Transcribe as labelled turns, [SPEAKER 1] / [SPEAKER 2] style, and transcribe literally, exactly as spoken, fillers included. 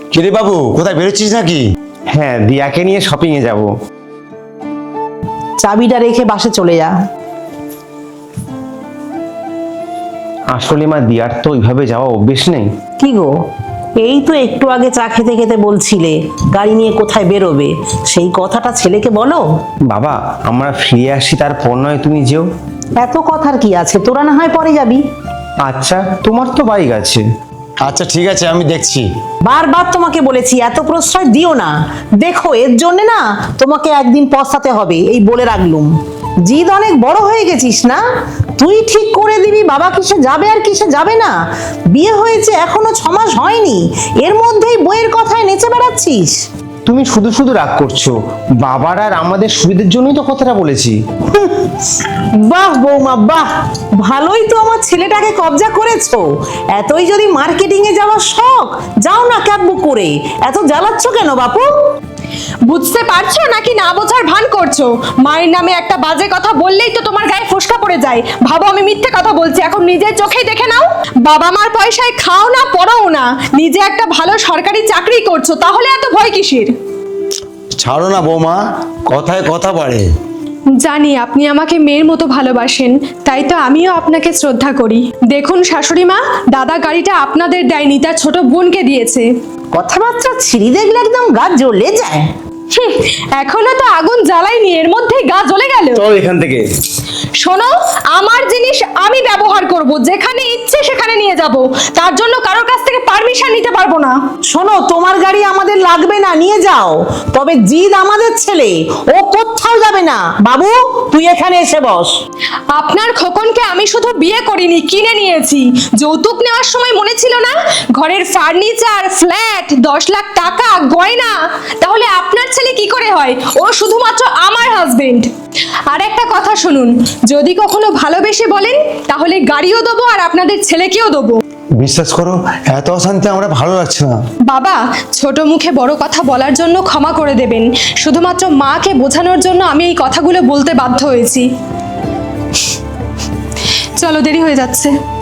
[SPEAKER 1] কিরে বাবু, কোথায় বেরোচ্ছিস নাকি?
[SPEAKER 2] হ্যাঁ, দিয়াকে নিয়ে শপিং এ যাব।
[SPEAKER 3] চাবিটা রেখে বাসে চলে যা।
[SPEAKER 2] আসলে মা, দিয়ার তো ওইভাবে যাওয়া অভ্যেস নেই।
[SPEAKER 3] কি গো, এই তো একটু আগে চা খেতে খেতে বলছিলে গাড়ি নিয়ে কোথায় বেরোবে, সেই কথাটা ছেলেকে বলো।
[SPEAKER 2] বাবা, আমরা ফিরে আসি, তারপর নয় তুমি যেও।
[SPEAKER 3] এত কথার কি আছে, তোরা না হয় পরে যাবি।
[SPEAKER 2] আচ্ছা, তোমার তো বাইক আছে।
[SPEAKER 1] আচ্ছা ঠিক আছে, আমি দেখছি।
[SPEAKER 3] বারবার তোমাকে বলেছি এত প্রশ্রয় দিও না। দেখো, এর জন্য না তোমাকে একদিন পস্তাতে হবে, এই বলে রাখলুম। জিদ অনেক বড় হয়ে গেছিস না? তুই ঠিক করে দিবি বাবা কিসে যাবে আর কিসে যাবে না। বিয়ে হয়েছে এখনো ছ মাস হয়নি, এর মধ্যেই বইয়ের কথায় নেচে বেড়াচ্ছিস।
[SPEAKER 2] তুমি শুধু শুধু রাগ করছো। বাবার আর আমাদের সুবিধার জন্যই তো কথাটা বলেছি।
[SPEAKER 3] বাহ বৌমা বাহ, ভালোই তো আমার ছেলেটাকে কবজা করেছো। এতই যদি মার্কেটিং এ যাওয়ার শখ, যাও না ক্যাব বুক করে। এত জ্বালাচ্ছ কেন বাপু?
[SPEAKER 4] বুঝতে পারছো নাকি না বোঝার ভান করছো? মায়ের নামে একটা বাজে কথা বললেই তো তোমার গায়ে ফোসকা পড়ে যায়। ভাবো আমি মিথ্যে কথা বলছি, এখন নিজের চোখেই দেখে নাও। বাবা মার পয়সায় খাও না, পড়াও না, নিজে একটা ভালো সরকারি চাকরি করছো, তাহলে এত ভয় কিসের?
[SPEAKER 1] ছাড়ো না বৌমা, কথায় কথা বাড়ে।
[SPEAKER 4] জানি আপনি আমাকে মেয়ের মতো ভালোবাসেন, তাই তো আমিও আপনাকে শ্রদ্ধা করি। দেখুন শাশুড়ি মা, দাদা গাড়িটা আপনাদের দেয়নি, তার ছোট বোনকে দিয়েছে।
[SPEAKER 3] কথাবার্তা ছিঁড়ি দেখলে একদম গা জ্বলে যায়।
[SPEAKER 4] হুম, এখনো তো আগুন জ্বালাইনি, এর মধ্যেই গা জ্বলে গেল।
[SPEAKER 2] চল এখান থেকে।
[SPEAKER 4] শোনো, আমার জিনিস আমি ব্যবহার করব, যেখানে ইচ্ছে সেখানে নিয়ে যাব, তার জন্য কারোর কাছ থেকে পারমিশন নিতে পারবো না।
[SPEAKER 3] শোনো, তোমার গাড়ি আমাদের লাগবে না, নিয়ে যাও। তবে জিদ আমাদের ছেলে, ও কোথাও যাবে না। বাবু, তুই এখানে এসে বস।
[SPEAKER 4] আপনার খোকনকে আমি শুধু বিয়ে করিনি, কিনে নিয়েছি। যৌতুক নেওয়ার সময় মনে ছিল না? ঘরের ফার্নিচার, ফ্ল্যাট, দশ লাখ টাকা, গয়না। তাহলে আপনার ছেলে কি করে হয়? ও শুধুমাত্র আমার হাজবেন্ড। আর একটা কথা শুনুন, যদি কখনো ভালোবেসে বলেন, তাহলে গাড়িও দেবো আর আপনাদের ছেলেকেও দেবো।
[SPEAKER 1] বিশ্বাস করো, এত অশান্তি আমরা ভালো লাগছে না।
[SPEAKER 4] বাবা, ছোট মুখে বড় কথা বলার জন্য ক্ষমা করে দেবেন। শুধুমাত্র মাকে বোঝানোর জন্য আমি এই কথাগুলো বলতে বাধ্য হয়েছি। চলো, দেরি হয়ে যাচ্ছে।